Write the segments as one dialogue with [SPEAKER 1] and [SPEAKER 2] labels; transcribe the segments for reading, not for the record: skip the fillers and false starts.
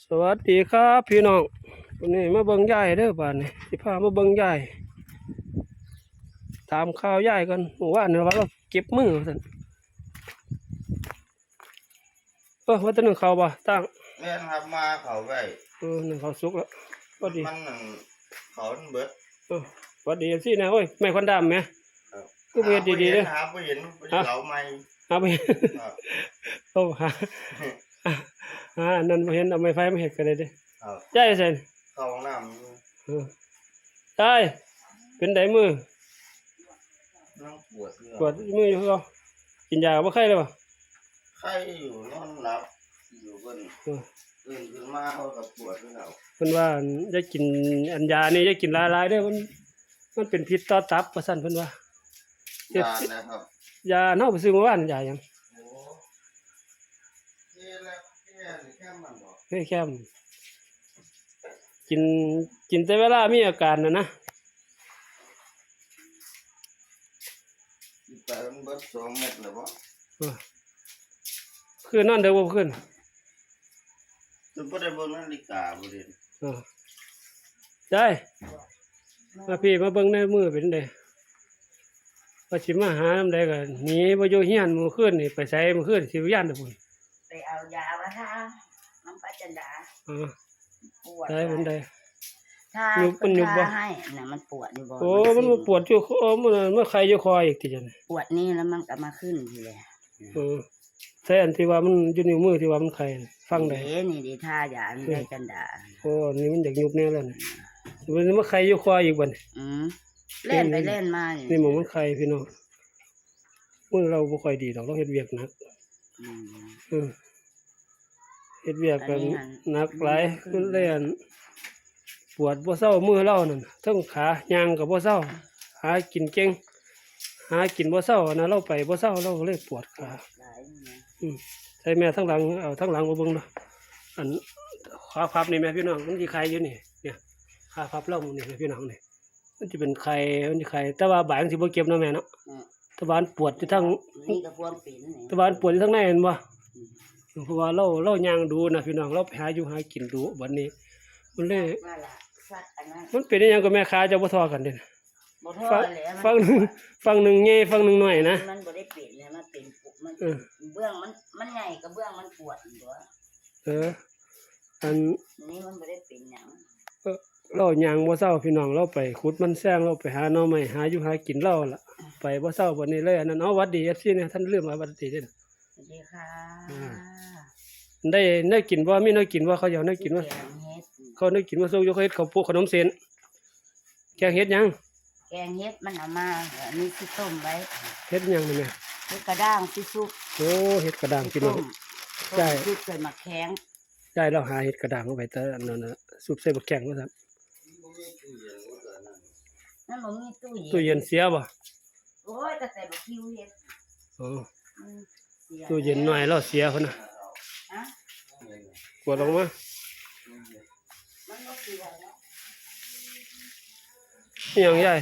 [SPEAKER 1] สวัสดีครับพี่น้องวันนี้มาเบิ่งยายเด้อบ้านนี้สิพามาเบิ่งยายถามข่าวยายกันเมื่อวานเนี่ยว่าเราเก็บมือสั่นว่าจะนึ่งข้าวบ่ตั้ง
[SPEAKER 2] แม่นครับมาเขาไว้
[SPEAKER 1] นึ่งข้าวสุกแล้วพอดี
[SPEAKER 2] มันนั่นเขาเบิด
[SPEAKER 1] พอดีสินะโอ้ยไม่ควันดำไหมก็เบียดดีๆเลย
[SPEAKER 2] หาไปเห็นเหลาไม่
[SPEAKER 1] หาไปโอ้นั่นมาเห็นเอาไม้ไฟมาเห็ดกันเลยดิยายเสร็จ
[SPEAKER 2] เข้าห้องน้
[SPEAKER 1] ำได้เป็นไดมือ
[SPEAKER 2] นั่ง
[SPEAKER 1] ปวดมืออยู่เขากินยาบ่ไข้เลยป่ะ
[SPEAKER 2] ไข้อยู่นอนหลับอยู่บนตื่นขึ้นมาเขากับปวดที่เรา
[SPEAKER 1] เพิ่นว่าจะกินอันยานี่จะกินหลายๆเด้อมันเป็นพิษต่อตับว่าซั่นเพิ่นว่ายานะครับยาเฮาไปซื้อเมื่อวานยาหยังแค่กินแต่เวลามีอาการนะ
[SPEAKER 2] แต่มันเบิด2 เม็ดเลยบ่
[SPEAKER 1] คือนอนเดี๋ยวบ่ขึ้น
[SPEAKER 2] จะบ่ได้เบิ่งนาฬิกาบ่เด้
[SPEAKER 1] ได้มาพี่มาเบิ่งในมือเป็นไดว่าสิมาหานำใดก็หนีบ่อยู่เฮียนมื้อคืนนี่ไปไสมื้อคืนสิย่านเด้อพุ่น
[SPEAKER 3] ไปเอายามาทาน้ำปลาจันดา
[SPEAKER 1] ปวดได้เป็นได
[SPEAKER 3] ถ้ามันยุบบ่ให้น่ะมันปวดอยู่บ่
[SPEAKER 1] มันปวดอยู่มันไข้อยู่คออีกทีจัง
[SPEAKER 3] ปวดนี่แล้วมันก็มาขึ้นทีเลย
[SPEAKER 1] ใช่อันที่ว่ามันอยู่นิ้วมือที่ว่ามันไข้ฟังได้
[SPEAKER 3] นี่ดิท่ายาได้จันดา
[SPEAKER 1] นี่มันอยากยุบแน่แล้วนี่มันมาไข้อยู่คออีกบัด
[SPEAKER 3] เล่นไปเล่นมา
[SPEAKER 1] นี่หมองมันไข้พี่น้องมือเราบ่ค่อยดีดอกเราเฮ็ดเวียกหนักเฮ็ดเวียกกันหนักหลายมันเลยปวดบ่เศร้ามือเรานั่นทั้งขาย่างก็บ่เศร้าหากินเก่งหากินบ่เศร้านะเราไปบ่เศร้าเราเลยปวดขาใส่แม่ทั้งหลังเอาทั้งหลังมาเบิ่งเนาะอันขาพับนี่แม่พี่น้องมันสิไข้อยู่นี่เนี่ยขาพับเรานี่พี่น้องนี่มันสิเป็นไข้มันสิไข้แต่ว่าบ่ายมันสิบ่เก็บเนาะแม่เนาะตะวันปวดอยู่ทั้งตะวันปวดอยู่ทั้งในเห็นบ่เพราะว่าเราย่างดูนะพี่น้องเราไปหาอยู่หากินดูบัดนี้มันเลยมันเป็นอย่างกับแม่ค้าจะบ่ทอกันเด่นฟังหนึ่งใหญ่ฟังหนึ่งหน่อยนะ
[SPEAKER 3] มันบ่ได้เปลี่ยนเลยมันเป็นมันเบื้องมันใหญ่กับเบื้องมันปวดอยู่
[SPEAKER 1] อัน
[SPEAKER 3] นี้มันบ่ได้เป็นหยัง
[SPEAKER 1] เราย่างบ่เศร้าพี่น้องเราไปขุดมันแซงเราไปหาหน่อไม้หาอยู่หากินเราล่ะไปบ่เศร้าบัดนี้เลยอันนั้นวัดดี FC เนี่ยท่านลืมว่าวัดดีเด่น
[SPEAKER 3] สวัสดีค่ะ
[SPEAKER 1] ได้กินว่ามีน้อยกินว่าเขาอยากได้กินว่าเขาได้กินว่าซุกยกเฮ็ดเขาพวกขนมเส้นแกงเฮ็ดยัง
[SPEAKER 3] แกงเฮ็ดมันเอามาอันนี้ที่ต้มไว้
[SPEAKER 1] เฮ็ดยังนี่แม่
[SPEAKER 3] เฮ็ดกระด้างที่ซุป
[SPEAKER 1] โอ้เฮ็ดกระด้างพี่น้อง
[SPEAKER 3] ใช่ซุปใส่หมักแข็ง
[SPEAKER 1] ได้เราหาเฮ็ดกระด้างเอาไว้แต่อันนั้นน่ะซุปใส่หมักแข็งว่าซั่น
[SPEAKER 3] นั่นบ่มี
[SPEAKER 1] ตู้เย็นเสียบ่
[SPEAKER 3] โอ้ยแต่ใส่บักคิวเฮ็ด
[SPEAKER 1] ตู้เย็นหน่อยเราเสียพุ่นน่ะกดลงมายังใหญ่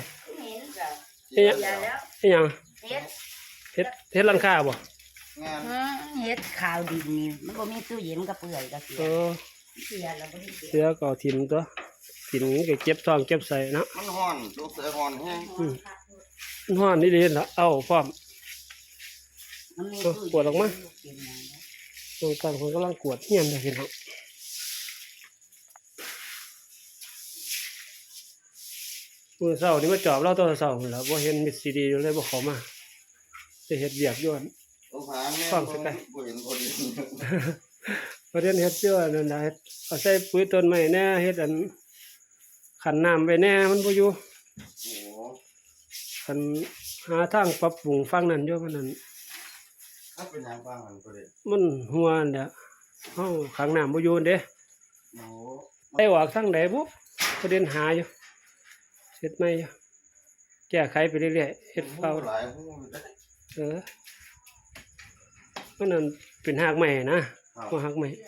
[SPEAKER 1] ยังเฮ็ดหลังคาบ่
[SPEAKER 3] เฮ็ดขาวดินนี่มันบ่มีตู้เย็นมันก็เปื่อยก็เสียแล้วบ่ได้
[SPEAKER 1] เสียก็ถิ่มตัวถิ่มก็เก็บท้องเก็บใส่นะ
[SPEAKER 2] มันฮ้อนตัวเสือฮ้อนแฮง
[SPEAKER 1] มันฮ้อนนี่ดีล่ะเอาพร้อมกดออกมาตรงกลางคนกำลังกวดเฮียนเลยพี่น้องมือเศร้านี่มาจอบเราตัวเศร้าแล้วบ่เห็นมิดซีดีเลยบ่เข้ามาจะเฮ็ดเวียกย้อนฟังสักไก่ประเด็นเฮ็ดย้อนนั่นน่ะเฮ็ดเอาใส่ปุ๋ยต้นไม้แน่เฮ็ดอันขันน้ำไว้แน่มันบ่อยู่คันหาทางปรับปรุงฟังนั้นอยู่มันนั่น
[SPEAKER 2] เป็นหยังฟังมันบ่ได้
[SPEAKER 1] มันหัวนั่นแหละเฮาขังน้ำบ่อยู่เด้ได้ออกทางใดบ่ประเด็นหาอยู่เฮ็ดใหม่แก้ไขไปเรื่อยๆเฮ็ดเฝ้ามันนั่นเป็นหากใหม่นะว่าหากใหม่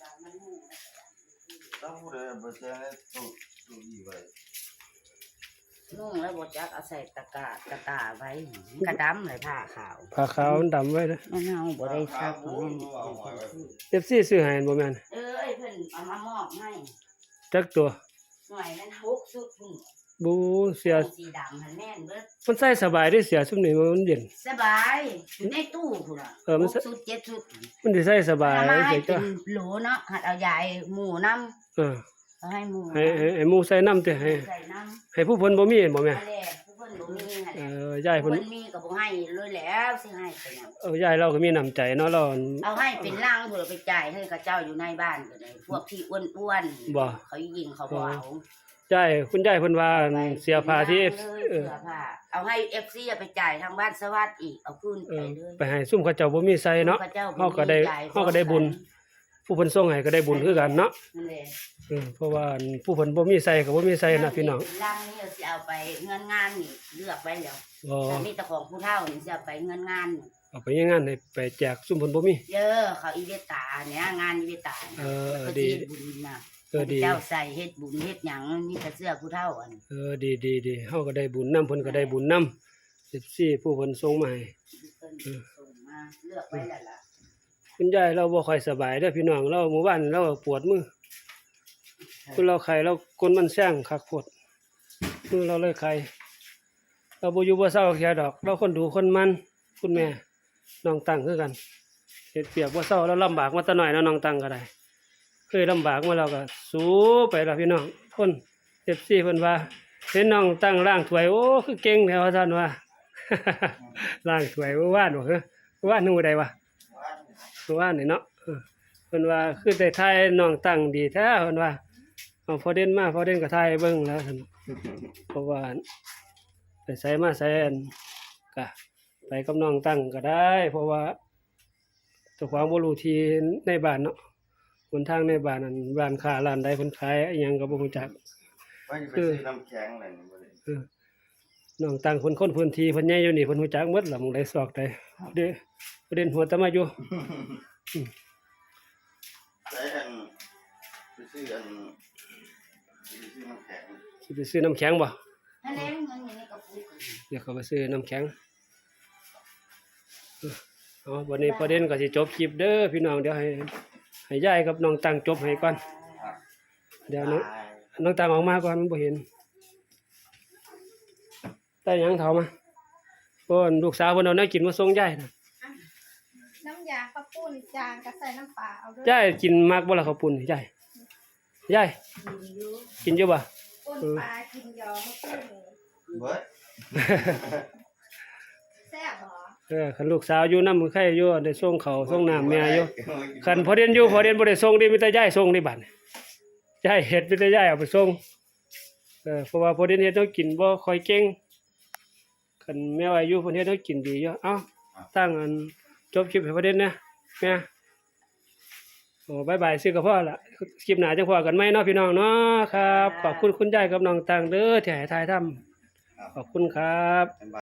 [SPEAKER 2] ต้องผู้ใดบ่แจ้งตู้อีไว้
[SPEAKER 3] นุ่งแล้วบ่จักเอาใส่ตะกาไว้กระดำเลยผ้า
[SPEAKER 1] ขาวมันดำไว้นะ
[SPEAKER 3] มันเฮาบ่ได้ซัก
[SPEAKER 1] FC ซื้อให้บ่แม่น
[SPEAKER 3] เพิ่นเอามามอบให้
[SPEAKER 1] จักตัว
[SPEAKER 3] หน่วยนั้น6ชุดพุ่น
[SPEAKER 1] บูเสีย
[SPEAKER 3] สีดำหันแม่นเบิด
[SPEAKER 1] มันใส่สบายได้เสียซุมนี้มันเย็น
[SPEAKER 3] สบายอยู่ในตู้พุ่นล่ะ
[SPEAKER 1] มัน
[SPEAKER 3] 6ชุด7ชุด
[SPEAKER 1] มันสิใส่สบาย
[SPEAKER 3] เอามาให้
[SPEAKER 1] เสีย
[SPEAKER 3] เป็
[SPEAKER 1] จ้ะ
[SPEAKER 3] นโหลเนาะหัดเอายายหมูน้ำ
[SPEAKER 1] เออ
[SPEAKER 3] เอาให้หมู
[SPEAKER 1] ให้หมู่ใส่น้ำติให้
[SPEAKER 3] ใส่น้
[SPEAKER 1] ให้ผู้เพิ่นบ่มีบ่แม่
[SPEAKER 3] ำแหละผู้เพิ่นบ่มีหั่น
[SPEAKER 1] เอ
[SPEAKER 3] แหละ
[SPEAKER 1] อยายเพิ่น
[SPEAKER 3] เพิ่นมีก็บ่ให้เลยแล้วสิให้ไปหยัง
[SPEAKER 1] ยายเราก็มีน้ำใจเนาะเรา
[SPEAKER 3] เอาให้เป็นร่างเพื่อไปจ่ายให้กับเจ้าอยู่ในบ้านก็ได้พวกที่อ้วน
[SPEAKER 1] บ่
[SPEAKER 3] เขายิงเขาบ่เอา
[SPEAKER 1] ยายคุณยายเพิ่นว่าเสียผ้าที่
[SPEAKER 3] เสื้อผ้าเอาให้ FC เอาไปจ่ายทางบ้านสวัสดิ์อีกเอาคืน
[SPEAKER 1] เอ
[SPEAKER 3] ไป
[SPEAKER 1] อ
[SPEAKER 3] เลย
[SPEAKER 1] ไปให้ซุ่มเขาเจ้าบ่มีใส่เนาะ
[SPEAKER 3] พระจ้
[SPEAKER 1] เฮาก็ได้บุญ ผู้เพิ่นส่งให้ก็ได้บุญคือกันเนาะ
[SPEAKER 3] นั่นแหละ
[SPEAKER 1] เพราะว่าผู้เพิ่นบ่มีใส่ก็บ่มีใส่นะพี่น้อง
[SPEAKER 3] ร่างนี้เอาสิเอาไปเงินงานนี่เลือกไว้แล้ว
[SPEAKER 1] บ่
[SPEAKER 3] แต่มีแต่ของผู้เฒ่านี่สิเอาไปเงินงานนี่
[SPEAKER 1] เอาไปงานให้ไปแจกซุ่มเพิ่นบ่มี
[SPEAKER 3] เยอะเขาอีเวตาเนี่ยงานอีเวตาเนี่ย
[SPEAKER 1] เออ
[SPEAKER 3] เขา
[SPEAKER 1] ดี
[SPEAKER 3] สิเฮ็ดบุญน่ะ
[SPEAKER 1] ดี
[SPEAKER 3] เจ้าใส่เฮ็ดบุญเฮ็ดหยังมีแต่เสื้อผู้เฒ่าอัน
[SPEAKER 1] ดีเฮาก็ได้บุญนํเพิ่นก็ได้บุญนํ14ผู้เพิ่นส่งมาให้
[SPEAKER 3] เพิ่นส่งมาเลือกไว้แล้วล่ะ
[SPEAKER 1] คุณยายเราบ่ค่อยสบายเด้อพี่น้องเราเมื่อวานเราปวดมือคือเราไข้เราก้นมันแซงคักโพดมือเราเลยไข้เราบ่อยู่บ่เซาแค่ดอก เราคนดูคนมันคุณแม่น้องตังคือกันเฮ็ดเปียกบ่เซาเราลำบากมาแต่น้อยเนาะน้องตังก็ได้เคยลำบากมาแล้วก็สู้ไปล่ะพี่น้องคน FC เพิ่นว่าเห็นน้องตังล้างถ้วยโอ้คือเก่งแท้ว่าซั่นว่า ล้างถ้วยเมื่อวานบ่คือเมื่อวานนูใดวะ เมื่อวานนี่เนาะเพิ่นว่าคือได้ทายน้องตั้งดีแท้เพิ่นว่าเอาพอเด่นมาพอเด่นก็ทายเบิ่งแล้วซั่นเพราะว่าไปไสมาไสอันก็ไปกับน้องตั้งก็ได้ เพราะว่าเจ้าของบ่รู้ที่ในบ้านเนาะหนทางในบ้านนั้นร้านค้าร้านใดเพิ่นขายอิหยังก็บ่รู้จัก
[SPEAKER 2] ว่าจะไปซื้อน้ำแข็งนั่นบ่ได้
[SPEAKER 1] น้องตั้งคนพื้นที่เพิ่นใหญ่อยู่นี่เพิ่นรู้จักหมดล่ะหม้องใดซอกใดเด้ประเด็นหัวตะมาอยู่
[SPEAKER 2] แต่อันไปซื้ออันไปซื้อน้ำแข็ง
[SPEAKER 1] สิไปซื้อน้ำแข็งบ่
[SPEAKER 3] นั่นแหละเงินอยู่ในกระปุก
[SPEAKER 1] เดี๋ยวเขาไปซื้อน้ำแข็งเอาวันนี้ประเด็นก็สิจบคลิปเด้อพี่น้องเดี๋ยวให้ยายกับน้องตังจบให้ก่อนเดี๋ยวน้องตังออกมาก่อนมันบ่เห็นได้หยังเฒ่ามาเพิ่นลูกสาวเพิ่นเอาแนวกินมาส่งยายน่ะ
[SPEAKER 4] น้ำยาข้าวปุ้นจางก็ใส่น้ำปลาเอาด้วย
[SPEAKER 1] ยายกินมากบ่ล่ะข้าวปุ้นยายกินอยู่บ่
[SPEAKER 4] ปุ้นปลากินยอข้าวปุ้น
[SPEAKER 2] เบิด
[SPEAKER 4] แซ่บเหรอ
[SPEAKER 1] คันลูกสาวอยู่นำใครอยู่ได้ส่งข้าวส่งน้ำแม่อยู่คันพอเรียนอยู่พอเรียนบ่ได้ส่งดิมีแต่ยายส่งนี่บัดยายเฮ็ดมีแต่ยายเอาไปส่งเพราะว่าพอเรียนเฮ็ดต้องกินบ่ค่อยเก่งคันแม่ว่าอยู่เพิ่นเฮ็ดต้องกินดีอยู่เอ้าตั้งอันจบคลิปให้พอเรียนนะแม่โอ้บ๊ายบายซื้อกับพ่อละคลิปหน้าจังพอกันใหม่เนาะพี่น้องเนาะครับขอบคุณคุณยายกับน้องตังเด้อที่ให้ถ่ายทำขอบคุณครับ